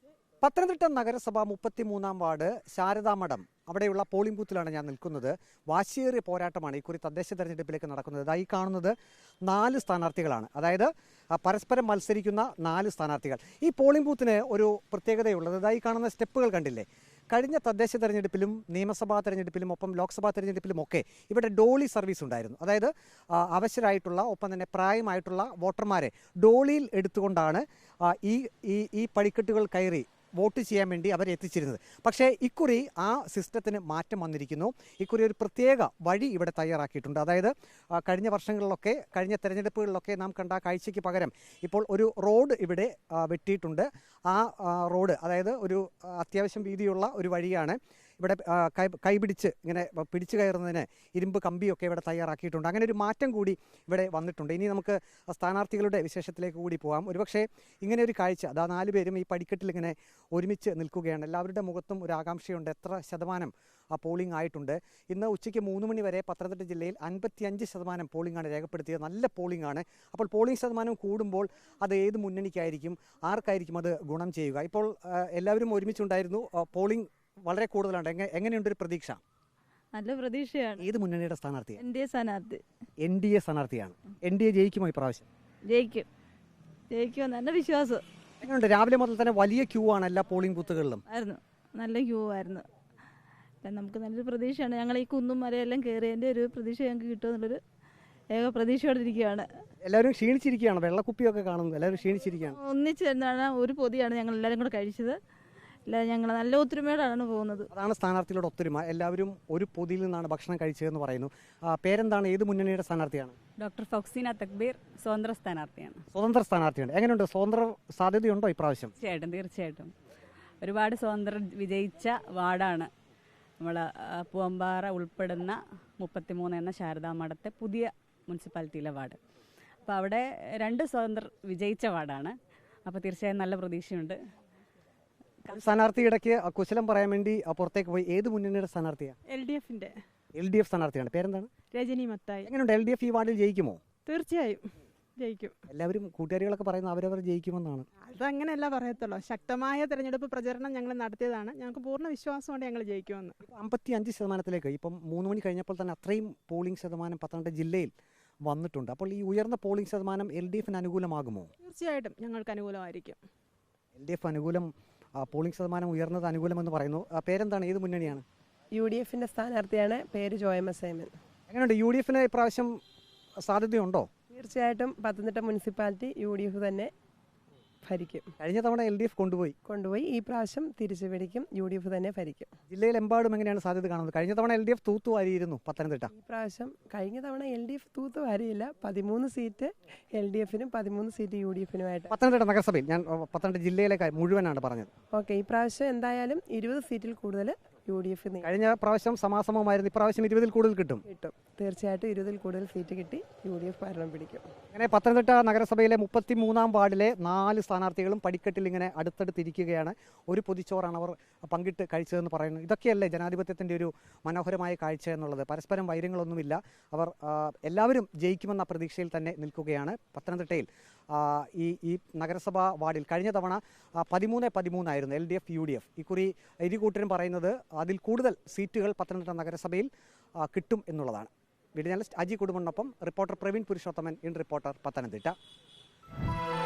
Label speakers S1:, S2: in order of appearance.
S1: പത്തനംതിട്ട നഗരസഭ 33-ാം വാർഡ് ശാരദാമഠം അവിടെയുള്ള പോളിംഗ് ബൂത്തിലാണ് ഞാൻ നിൽക്കുന്നത്. വാശിയേറിയ പോരാട്ടമാണ് ഇക്കുറി തദ്ദേശ തെരഞ്ഞെടുപ്പിലേക്ക് നടക്കുന്നത്. ഈ കാണുന്നത് 4 സ്ഥാനാർത്ഥികളാണ്, അതായത് പരസ്പരം മത്സരിക്കുന്ന 4 സ്ഥാനാർത്ഥികൾ. ഈ പോളിംഗ് ബൂത്തിന് ഒരു പ്രത്യേകതയുള്ളത് ഈ കാണുന്ന സ്റ്റെപ്പുകൾ കണ്ടില്ലേ? കഴിഞ്ഞ തദ്ദേശ തെരഞ്ഞെടുപ്പിലും നിയമസഭാ തെരഞ്ഞെടുപ്പിലും ഒപ്പം ലോക്സഭാ തെരഞ്ഞെടുപ്പിലുമൊക്കെ ഇവിടെ ഡോളി സർവീസ് ഉണ്ടായിരുന്നു. അതായത് അവശരായിട്ടുള്ള ഒപ്പം തന്നെ പ്രായമായിട്ടുള്ള വോട്ടർമാരെ ഡോളിയിൽ എടുത്തുകൊണ്ടാണ് ഈ പടിക്കെട്ടുകൾ കയറി വോട്ട് ചെയ്യാൻ വേണ്ടി അവരെ എത്തിച്ചിരുന്നത്. പക്ഷേ ഇക്കുറി ആ സിസ്റ്റത്തിന് മാറ്റം വന്നിരിക്കുന്നു. ഇക്കുറി ഒരു പ്രത്യേക വഴി ഇവിടെ തയ്യാറാക്കിയിട്ടുണ്ട്. അതായത് കഴിഞ്ഞ വർഷങ്ങളിലൊക്കെ കഴിഞ്ഞ തെരഞ്ഞെടുപ്പുകളിലൊക്കെ നാം കണ്ട കാഴ്ചയ്ക്ക് പകരം ഇപ്പോൾ ഒരു റോഡ് ഇവിടെ വെട്ടിയിട്ടുണ്ട്. ആ റോഡ് അതായത് ഒരു അത്യാവശ്യം വീതിയുള്ള ഒരു വഴിയാണ്. ഇവിടെ കൈപിടിച്ച് ഇങ്ങനെ പിടിച്ചു കയറുന്നതിന് ഇരുമ്പ് കമ്പിയൊക്കെ ഇവിടെ തയ്യാറാക്കിയിട്ടുണ്ട്. അങ്ങനെ ഒരു മാറ്റം കൂടി ഇവിടെ വന്നിട്ടുണ്ട്. ഇനി നമുക്ക് സ്ഥാനാർത്ഥികളുടെ വിശേഷത്തിലേക്ക് കൂടി പോകാം. ഒരുപക്ഷെ ഇങ്ങനെ ഒരു കാഴ്ച 4 പേരും ഈ പടിക്കെട്ടിൽ ഇങ്ങനെ ഒരുമിച്ച് നിൽക്കുകയാണ്. എല്ലാവരുടെ മുഖത്തും ഒരു ആകാംക്ഷയുണ്ട്. എത്ര ശതമാനം പോളിംഗ് ആയിട്ടുണ്ട്? ഇന്ന് ഉച്ചയ്ക്ക് 3 മണി വരെ പത്തനംതിട്ട ജില്ലയിൽ 55% പോളിംഗാണ് രേഖപ്പെടുത്തിയത്. നല്ല പോളിംഗ് ആണ്. അപ്പോൾ പോളിംഗ് ശതമാനം കൂടുമ്പോൾ അത് ഏത് മുന്നണിക്കായിരിക്കും, ആർക്കായിരിക്കും അത് ഗുണം ചെയ്യുക? ഇപ്പോൾ എല്ലാവരും ഒരുമിച്ചുണ്ടായിരുന്നു. പോളിംഗ് വളരെ കൂടുതലാണ്. എങ്ങനെയുണ്ടൊരു പ്രതീക്ഷ?
S2: നല്ല പ്രതീക്ഷയാണ്.
S1: ഏത് മുന്നണിയുടെ സ്ഥാനാർത്ഥി?
S2: NDA
S1: സ്ഥാനാർത്ഥിയാണ്. NDA ജയിക്കുമോ ഇപ്രാവശ്യം?
S2: ജയിക്കും നല്ല വിശ്വാസം.
S1: എങ്ങനെയുണ്ട്? രാവിലെ മുതൽ തന്നെ വലിയ ക്യൂ ആണ് എല്ലാ പോളിംഗ് ബൂത്തുകളിലും.
S2: നല്ല ക്യൂ ആയിരുന്നു. നമുക്ക് നല്ലൊരു പ്രതീക്ഷയാണ്. ഞങ്ങൾ ഈ കുന്നും മലയെല്ലാം കയറിയതിൻ്റെ ഒരു പ്രതീക്ഷ ഞങ്ങൾക്ക് കിട്ടുമെന്നുള്ളൊരു ഏക പ്രതീക്ഷയോടെ ഇരിക്കുകയാണ്.
S1: എല്ലാവരും ക്ഷീണിച്ചിരിക്കുകയാണ്. വെള്ളക്കുപ്പിയൊക്കെ കാണുന്നു. എല്ലാവരും ക്ഷീണിച്ചിരിക്കുകയാണ്.
S2: ഒന്നിച്ച് തന്നെയാണ് ഒരു പൊതിയാണ് ഞങ്ങൾ എല്ലാവരും കൂടെ കഴിച്ചത്. ഞങ്ങൾ നല്ല ഒത്തൊരുമയോടാണ് പോകുന്നത്.
S1: അതാണ് സ്ഥാനാർത്ഥികളുടെ ഒത്തൊരുമ. എല്ലാവരും ഒരു പൊതിയിൽ നിന്നാണ് ഭക്ഷണം കഴിച്ചതെന്ന് പറയുന്നു. പേരെന്താണ്? ഏത് മുന്നണിയുടെ സ്ഥാനാർത്ഥിയാണ്?
S3: ഡോക്ടർ ഫൗസീന തക്ബീർ, സ്വതന്ത്ര സ്ഥാനാർത്ഥിയാണ്.
S1: സ്വതന്ത്ര സ്ഥാനാർത്ഥിയാണ്. എങ്ങനെയുണ്ട്? സ്വതന്ത്ര സാധ്യതയുണ്ടോ ഇപ്രാവശ്യം?
S3: തീർച്ചയായിട്ടും ഒരുപാട് സ്വതന്ത്രർ വിജയിച്ച വാർഡാണ് നമ്മൾ പൂവമ്പാറ ഉൾപ്പെടുന്ന 33 എന്ന ശാരദാമഠത്തെ പുതിയ മുനിസിപ്പാലിറ്റിയിലെ വാർഡ്. അപ്പോൾ അവിടെ 2 സ്വതന്ത്രർ വിജയിച്ച വാർഡാണ്. അപ്പോൾ തീർച്ചയായും നല്ല പ്രതീക്ഷയുണ്ട്.
S1: സ്ഥാനാർത്ഥി ഇടയ്ക്ക് കുശലം പറയാൻ വേണ്ടി പുറത്തേക്ക് പോയി. ഏത് മുന്നണിയുടെ സ്ഥാനാർത്ഥിയാണ്? LDF സ്ഥാനാർത്ഥിയാണ്. പേരെന്താണ്?
S2: രജനി മത്തായി.
S1: എങ്ങനെയുണ്ട്? LDF ഈ വാർഡിൽ ജയിക്കുമോ?
S2: തീർച്ചയായും ജയിക്കും.
S1: എല്ലാവരും കൂട്ടുകാരികളൊക്കെ പറയുന്നത് അവരവർ ജയിക്കുമെന്നാണ്.
S2: അതങ്ങനെയല്ല പറയത്തുള്ളൂ. ശക്തമായ തെരഞ്ഞെടുപ്പ് പ്രചരണം ഞങ്ങൾ നടത്തിയതാണ്. ഞങ്ങൾക്ക് പൂർണ്ണ വിശ്വാസമുണ്ട് ഞങ്ങൾ ജയിക്കുമെന്ന്.
S1: 55% ഇപ്പം 3 മണി കഴിഞ്ഞപ്പോൾ തന്നെ അത്രയും പോളിംഗ് ശതമാനം പത്തനംതിട്ട ജില്ലയിൽ വന്നിട്ടുണ്ട്. അപ്പോൾ ഈ ഉയർന്ന പോളിംഗ് ശതമാനം LDFന് അനുകൂലമാകുമോ?
S2: തീർച്ചയായിട്ടും ഞങ്ങൾക്ക് അനുകൂലമായിരിക്കും.
S1: LDF അനുകൂലം, പോളിംഗ് ശതമാനം ഉയർന്നത് അനുകൂലമെന്ന് പറയുന്നു. പേരെന്താണ്? ഏത് മുന്നണിയാണ്?
S4: UDFിൻ്റെ സ്ഥാനാർത്ഥിയാണ്. പേര് ജോയമ സൈമൻ.
S1: എങ്ങനെയുണ്ട്? UDFന് ഇപ്രാവശ്യം സാധ്യതയുണ്ടോ?
S4: തീർച്ചയായിട്ടും പത്തനംതിട്ട മുനിസിപ്പാലിറ്റി UDF തന്നെ ഭരിക്കും.
S1: കഴിഞ്ഞ തവണ LDF കൊണ്ടുപോയി.
S4: ഈ പ്രാവശ്യം തിരിച്ചു പിടിക്കും. UDF തന്നെ ഭരിക്കും.
S1: ജില്ലയിലെമ്പാടും എങ്ങനെയാണ് സാധ്യത കാണുന്നത്? കഴിഞ്ഞ തവണ LDF തൂത്തുവാരിയിരുന്നു പത്തനംതിട്ട.
S4: ഈ പ്രാവശ്യം കഴിഞ്ഞ തവണ LDF തൂത്തുവാരിയില്ല. 13 സീറ്റ് LDFനും 13 സീറ്റ് UDFനുമായിട്ട്.
S1: പത്തനംതിട്ട നഗരസഭയിൽ, ഞാൻ പത്തനംതിട്ട ജില്ലയിലെ മുഴുവനാണ് പറഞ്ഞത്.
S4: ഓക്കെ, ഈ പ്രാവശ്യം എന്തായാലും 20 സീറ്റിൽ കൂടുതൽ UDF.
S1: കഴിഞ്ഞ പ്രാവശ്യം സമാസമമായിരുന്നു. ഇപ്രാവശ്യം 20-ൽ കൂടുതൽ കിട്ടും.
S4: തീർച്ചയായിട്ടും 20-ൽ കൂടുതൽ സീറ്റ് കിട്ടി UDF ഭരണം പിടിക്കും.
S1: അങ്ങനെ പത്തനംതിട്ട നഗരസഭയിലെ 33-ാം വാർഡിലെ 4 സ്ഥാനാർത്ഥികളും പടിക്കെട്ടിൽ ഇങ്ങനെ അടുത്തടുത്തിരിക്കുകയാണ്. ഒരു പൊതിച്ചോറാണ് അവർ പങ്കിട്ട് കഴിച്ചതെന്ന് പറയുന്നു. ഇതൊക്കെയല്ലേ ജനാധിപത്യത്തിൻ്റെ ഒരു മനോഹരമായ കാഴ്ച എന്നുള്ളത്? പരസ്പരം വൈരങ്ങളൊന്നുമില്ല. അവർ എല്ലാവരും ജയിക്കുമെന്ന പ്രതീക്ഷയിൽ തന്നെ നിൽക്കുകയാണ്. പത്തനംതിട്ടയിൽ ഈ നഗരസഭാ വാർഡിൽ കഴിഞ്ഞ തവണ 13-13 ആയിരുന്നു LDF UDF. ഇക്കുറി ഇരുകൂട്ടരും പറയുന്നത് അതിൽ കൂടുതൽ സീറ്റുകൾ പത്തനംതിട്ട നഗരസഭയിൽ കിട്ടും എന്നുള്ളതാണ്. വീഡിയോ ജേർണലിസ്റ്റ് അജി കുടുംബനൊപ്പം reporter Praveen Purushothaman, in reporter, Pathanamthitta.